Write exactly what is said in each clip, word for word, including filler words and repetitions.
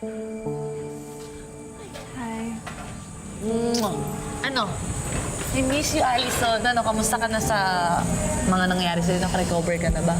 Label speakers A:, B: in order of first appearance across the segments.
A: Hi.
B: Mwah. Ano? I miss you, Allison. Ano, kamusta ka na sa mga nangyari sa'yo? Naka-recover ka na ba?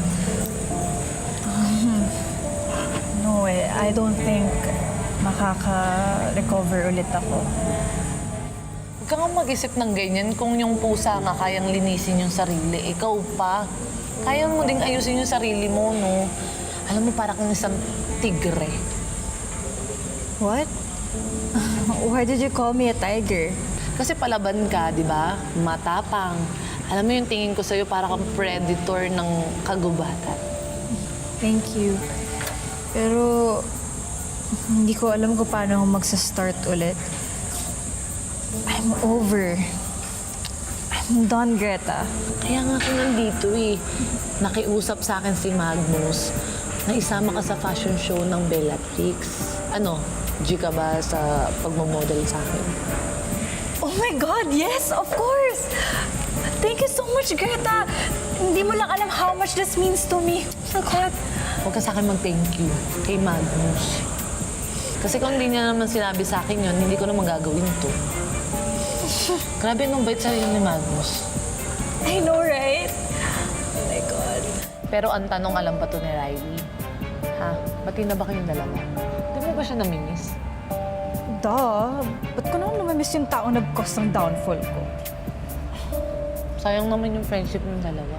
A: No eh, I don't think makaka-recover ulit ako.
B: Huwag ka nga mag-isip ng ganyan kung yung pusa nga kayang linisin yung sarili. Ikaw pa. Kaya mo ding ayusin yung sarili mo, no? Alam mo, parang kang isang tigre.
A: What? Why did you call me a tiger?
B: Kasi palaban ka, di ba? Matapang. Alam mo yung tingin ko sa'yo, para kang predator ng kagubatan.
A: Thank you. Pero hindi ko alam kung paano ako magsa-start ulit. I'm over. I'm done, Greta.
B: Kaya nga ako nandito eh. Nakiusap sa akin si Magnus na isama ka sa fashion show ng Bellatrix. Ano, G ka ba sa pagmamodel sa akin?
A: Oh my God, yes, of course! Thank you so much, Greta! Hindi mo lang alam how much this means to me. Oh my God.
B: Huwag ka sa akin mag-thank you kay Magnus. Kasi kung hindi niya naman sinabi sa akin yun, hindi ko naman gagawin to. Grabe nung bait sa'yo ni Magnus.
A: I know, right? Oh my God.
B: Pero ang tanong, alam ba to ni Riley? Ha? Bati na ba kayong dalawa? Di mo ba siya namimiss?
A: Duh. Ba't ko naman namamiss yung taong nag-cause ng downfall ko?
B: Sayang naman yung friendship ng dalawa.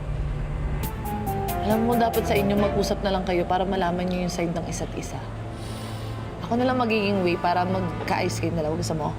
B: Alam mo, dapat sa inyo mag-usap na lang kayo para malaman niyo yung side ng isa't isa. Ako na lang magiging way para magka-ayos kayo dalawa. Gusto mo?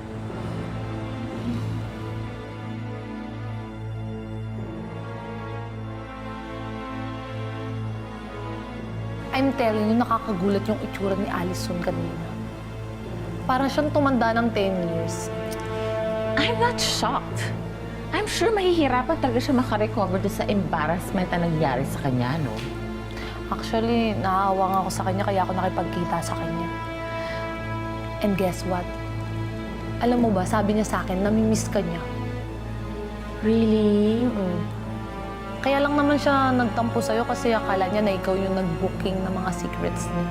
B: I'm telling you, nakakagulat yung itsura ni Allison kanina. Parang siyang tumanda ng ten years.
C: I'm not shocked. I'm sure mahihirapan talaga siya makarecover doon sa embarrassment na nangyari sa kanya, no?
B: Actually, naawa nga ako sa kanya kaya ako nakipagkita sa kanya. And guess what? Alam mo ba, sabi niya sa akin, namimiss ka niya.
C: Really?
B: Mm. Kaya lang naman siya nagtampo sa'yo kasi akala niya na ikaw yung nag-booking ng mga secrets niya.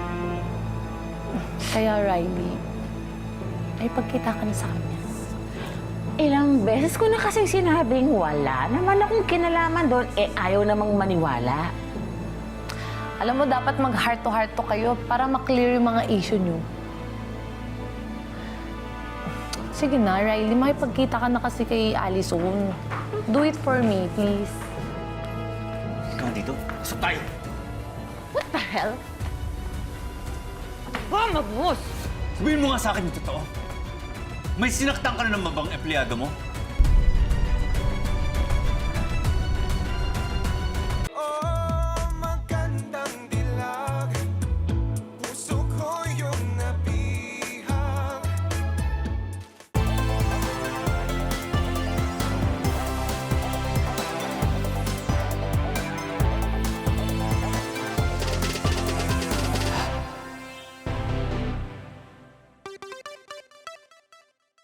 B: Kaya, Riley, ay pagkita ka na sa kanya.
C: Ilang beses ko na kasing sinabing wala naman akong kinalaman doon, eh ayaw namang maniwala.
B: Alam mo, dapat mag-heart-to-heart to kayo para maklear yung mga issue niyo. Sige na, Riley, makipagkita ka na kasi kay Allison. Do it for me, please.
D: Ikaw dito. Pasok tayo.
C: What the hell? Ba, Magnus!
D: Sabihin mo nga sa akin yung totoo. May sinaktan ka na ng mabang empleyado mo?